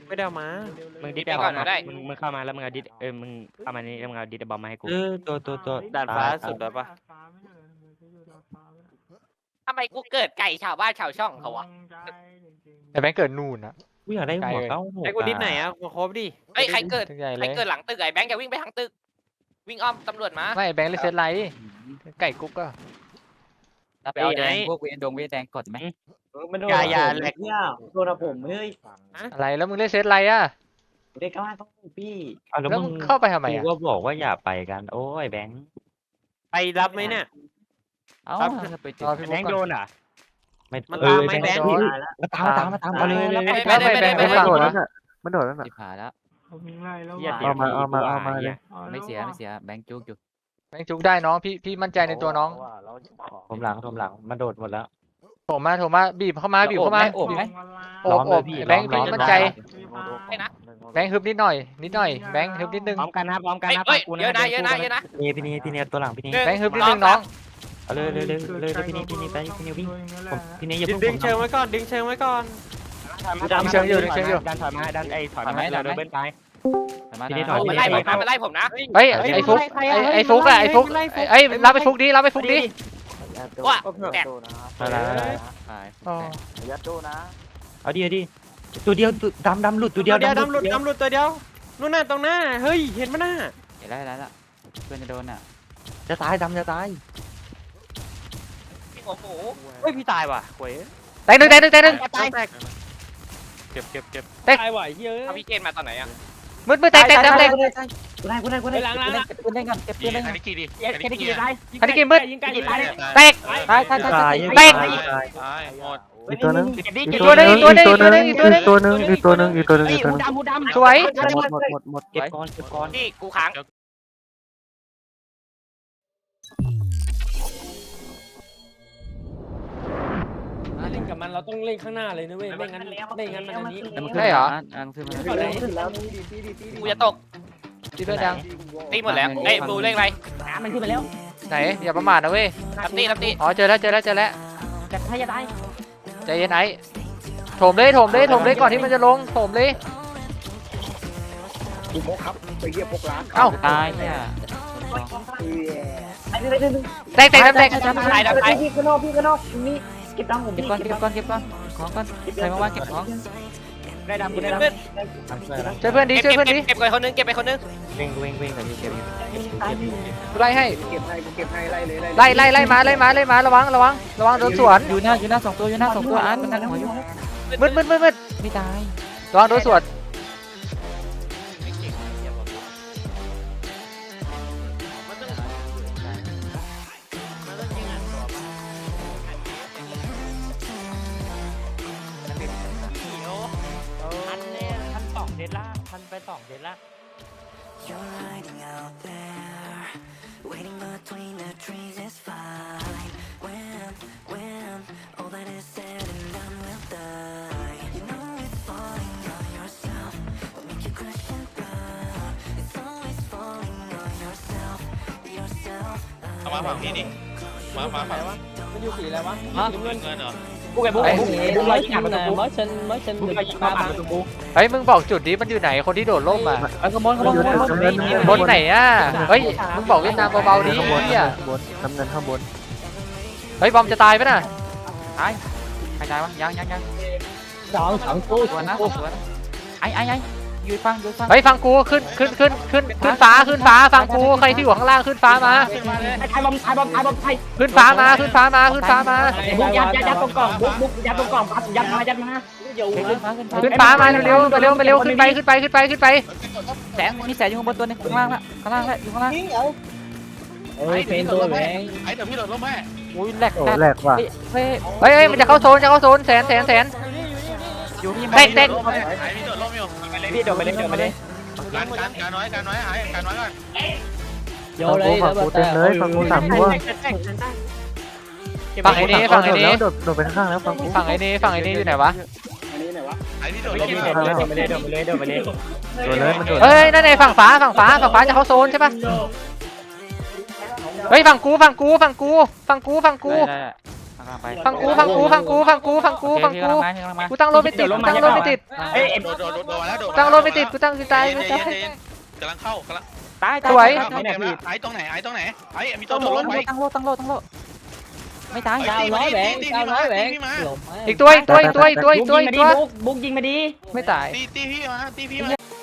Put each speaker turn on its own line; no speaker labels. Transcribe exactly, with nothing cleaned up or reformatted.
ไม่ได้มามึงดิสก่อนได้มึงมึงเข้ามาแล้วมึงเอาดิสเออมึงเข้ามานี่แล้วมึงเอาดิสบอมมาให้กู
เออตัวตัวตัว
ด่านฟ้าสุดเลยปะ
ทำไมกูเกิดไก่ชาวบ้านชาวช่องเขาวะ
ไอ้แบงค์เกิดนู่นนะ
กูอยากได้หัวเก้าหัว
ไอ้กูดิสไหนอ่ะกูครบดิ
เฮ้ยใครเกิด
ใหญ่
ใค
เล
ร
ย
เกิดหลังตึกไอ้แบงค์จะวิ่งไปทางตึกวิ่งอ้อมตำรวจมา
ไม่แบงค์เลยเซตไลท์ไก่กุ๊กก็
ไปเอาแดงพวกเวดงเวแดงกดไหม
อย่าอย่าแหลก
เนี่ยโดนผมเฮ้ย
อะไรแล้วมึงเล่นเซตไลท์อ่ะ
เด็กก้าวต้องพี่
อ่ะแล้ว
แล้ว
มึ
มึ
ง
งเข้าไปทำไม
กู
อ่ะ
ก็บอกว่าอย่าไปกันโอ้ยแบงค์
ไปรับไหมเนี่ย
เอ้าไปจุด
รอพี่
แบ
บุ๊
ง
ก
ค์
ก่
โด
อน
นอ่ะ
ไม่
มัน
เอ
ตาม
อ
ไหมแบงค์
มาตามมาตามมาตามมาเลยเลย
ไม่ไม่ไม่ไม่ฟังนะ
มันโดดแล้วน่ะ
สิบขาแล้ว
เอามาเอามาเอามาเลย
ไม่เสียไม่เสียแบงค์จุกอยู่
แบงค์จุกได้น้องพี่พี่มั่นใจในตัวน้อง
ผมหลังผมหลังมาโดดหมดแล้ว
โถมมาโถมมาบีบเข้ามาบีบเข้ามา
โอบไหม
โอบโอบแบงค์พี่มั่นใจ
ไม่นะ
แบงค์ฮึบนิดหน่อยนิดหน่อยแบงค์ฮึบนิดนึง
พร้อมกันนะพร้อมกัน
เฮ้ย
นะ
เฮ้ย
กู
เยอะนะเยอะนะเยอะนะ
นี่พี่นี่พี่นี่ตัวหลังพี่นี่
แบงค์ฮึบนิดนึงน้อง
เอาเลยเลยเลยเลยพี่นี่พี่นี่ไปพี่นี่วิ่งผมพี่นี่อย่า
ดึ
เพิ่
ง
ง
ดึงเชิงไว้ก่อนดึงเชิงไว้ก่อนดันถอยมาดันไอ้ถอยมาเราเดินเบิ้ลไป
มันไล่ผมนะมันไล่ผมนะ
เฮ้ยไอ้ฟุกไอ้ไอ้ฟุกอะไอ้ฟุกไอ้รับไอ้ฟุกดิรับไอ้ฟุกดิ
ว่าแตก
อะไร
ขาย
อ๋อ
ยัดตู้นะ
เอาดิเอาดิตัวเดียวดำดำหลุดตัวเดี
เดี
ย
ยว วดำหลุดดำหลุดตัวเดียวนู่นน่ะตรงหน้าเฮ้ยเห็นมั้ยน่ะ
เห็นได้แล้วละเพื่อนจะโดนอ่ะ
จะตายดำจะตาย
พี่หัวหมู
เฮ้ยพี่ตายว่ะหวย
แตกหนึ่งแตกหนึ่งแตกหนึ่ง
ตายแตกเก็บเก็บเก็บตายว่ะเฮ้ย
เอาพี่เกณฑ์มาตอนไหนอ่ะ
มืดมืดแตกแตกแตกแตก
กูได้กูได้กูได้
ล้างล้าง
เก็บปืนได้ก่อนเก็บปืนได้ก่อน
กี่ดิ
แค่ได้กี่ได้
อันนี้กินมืด
ยิงไก่ยิงไก่
แตก
ตายตายตาย
ตาย
แตก
ตาย
ตายหมด
อีกตัวนึง
อีกตัวนึงอีกตัวนึงอีกตัวนึงอีกตัวนึง
อีกตัวนึงอีกตัวนึงอีกตัวนึงอีกตัวนึง
ดำหูดำ
สวย
หมดหมดหมดหมด
เก็บก้อนเก็บก้อน
นี่กูค้าง
เล่นกับมันเราต้องเล่นข้างหน้าเลยนะเว้ยไม่งั้นไม่งั้นมันอันนี้
แล้วมันขึ้นมาอ่างขึ้นมา
กูจะตก
ตีเพื่อนยัง
ตีหมดแล้วเอ้ยบูเล่นอะไร
มันขึ้นไปแล้ว
ไหนอย่าประมาทนะเว้ย
รับตีรับตี
อ๋อเจอแล้วเจอแล้วเจอแล้ว
แต่ถ้าจะได้
ใจเย็นไอ้โถมเลยโถมเลยโถมเลยก่อนที่มันจะลงโถมเลย
กูพกครับไปเยี่ยพกร้าน
เอ้า
ตายเนี่ย
ไอ้นี่ไอ้นี่
แตกแตกแตกแตก
ตายดับตาย
พี่ข้างนอกพี่ข้างนอกนี่เก็บดำผม
เก็บก้อนเก็บก้อนเก็บก้อนของก้อนใครมาว่าเก็บของ
ได้ดำกูได้ดำ
ช่วยเพื่อนดิ
เก็บ
ช่วย
เก็บ
เพื่อนดิ
เก็บไปคนนึงเก็บไปคนนึง
เว้งเว้งเว้งกับพี่เก็บอยู่
ไล่ให้
เก็บให้กูเก็บให้ไล่เลย
ไล่ไล่ไล่มาไล่มาไล่มาระวังระวังระวังโดนสวน
อยู่หน้าอยู่หน้าสองตัวอยู่หน้าสองตัวอาร์ตมันนั่งหัวอยู่
มืดมืดมืดมืด
ไม่ตาย
ระวังโดนสวน
พันเนี่ยพันสองเดล่าพันไปสองเดล่า
You're hiding out there, waiting between the trees is fine. When, when all that is said and done will die. You know it's falling on yourself, will make you question God. It's always falling on yourself, yourself.
เอามาฝั่งนี้ดิมามาฝั่ง
มันอยู่สีอะไรวะ
ฮะ
เงิน
เงินเหรอ
บุกไอ้บุกไอ้บุกบุกลอยยิงประตูmới sinh mới sinh được ba ba
เฮ้ยมึงบอกจุดนี้มันอยู่ไหนคนที่โดดร่มอ่ะ
เออขโมยขโมยขโมยขโมย
บนไหนอ่ะเฮ้ยมึงบอกเวียดนามเบาๆดิ
ข้างบน
เฮีย
ข้างบนน้ำเงินข้างบน
เฮ้ยบอมจะตายปะน่ะ
ตายใครตายวะยังยังยัง
สองสองตู้
สวนนะสวนไอ้ไอ้ไอ้ยืนฟังยืนฟัง
เฮ้ยฟังกูขึ้นขึ้นขึ้นขึ้นขึ้นฟ้าขึ้นฟ้าฟังกูใครที่อยู่ข้างล่างขึ้นฟ้ามา
ไอ้บอมไอ้บอมไอ้บอมไอ้
ขึ้นฟ้ามาขึ้นฟ้ามาขึ้นฟ้ามา
บุกยัดยัดยัดตรงกล่องบุกบุกยัดตรงกล่องยัดมายัดมา
ขึ้นฟ้าขึ้นฟ้า
ขึ้นฟ้ามาเร็วๆเร็วๆเร็วๆขึ้นไปขึ้นไปขึ้นไปขึ้นไป
แสงมีแสงอยู่ข้างบนตัวนึงข้างล่างละข้างล่างละอยู่ข้างล่าง
เอ้ยเป็นตัวแหวง
ไอ้เดี๋ยวพี่โดดร่มให้
อุ้ยแหลก
โอ้แหลกว่ะ
เฮ้ย
เฮ้ยเฮ้ยมันจะเข้าโซนจะเข้าโซนแสนแสนแสน
อยู่ที่
แตกแตก
ไอ้พี่โดดร่มอยู่
พี่โดดไปเลยโดดไปเลย
การการการน้อยการน้อยหายการน้อยก่อน
โย
ฝั่ง
เล
กู
ย
ฝั่งกูเต็มเลยฝั่งกูสามตัว
ฝั่งไอ้นี่ฝั่งไอ้นี่
โดดโดดไปข้างๆแล้วฝั่งกู
ฝั่งไอ้นี่ฝั่งไอ้นี่อยู่ไหนวะ
ไอ้พี่โดด
โด
ร่
ด
ม
ไป
อยู่
เลยโดดไปเลยโดดไปเลยโดดไปเลย
โดดเลยมันโดด
เฮ้ยนั่นไงฝั่งฟ้าฝั่งฟ้าฝั่งฟ้าจะเข้าโซนใช่ปะเฮ้ยฝั่งกูฝั่งกูฝั่งกูฝั่งกูฝั่งกู
ได้ได้ไป
ฟังกูฟังกูฟังกูฟังกูฟังกูฟัง
พี่
กู
กำลังมาพี่กำลังมา
กูตั้งรถไม่ติดกูตั้งรถไม่ติด
เฮ้ย
โดดโดดโดดโดดมาแล้วโดด
ตั้งรถไม่ติดกูตั้งสิตาย
เย็น
ไม่
เย็
ตาย
นเย็นกำลังเข้ากำลัง
ตาย
สวย
เข้าเกมแล้วไอ้ตรงไหนไอ้ตรงไหนไอ้มีตั
ตั้
ว
ง
โด
โล
ดลงไป
ตั้งโลตั้งโลตั้งโลไม่ตาย
เก้าร้อยแหวนเก้าร้อยแหวนหลบ
อีกตัวอีกตัวอีกตัวอีกตัวอีกตัวอีกตัว
บุ๊กบุ๊กยิงมาดี
ไม่ตาย
ตีตีพี่มาตีพี่มา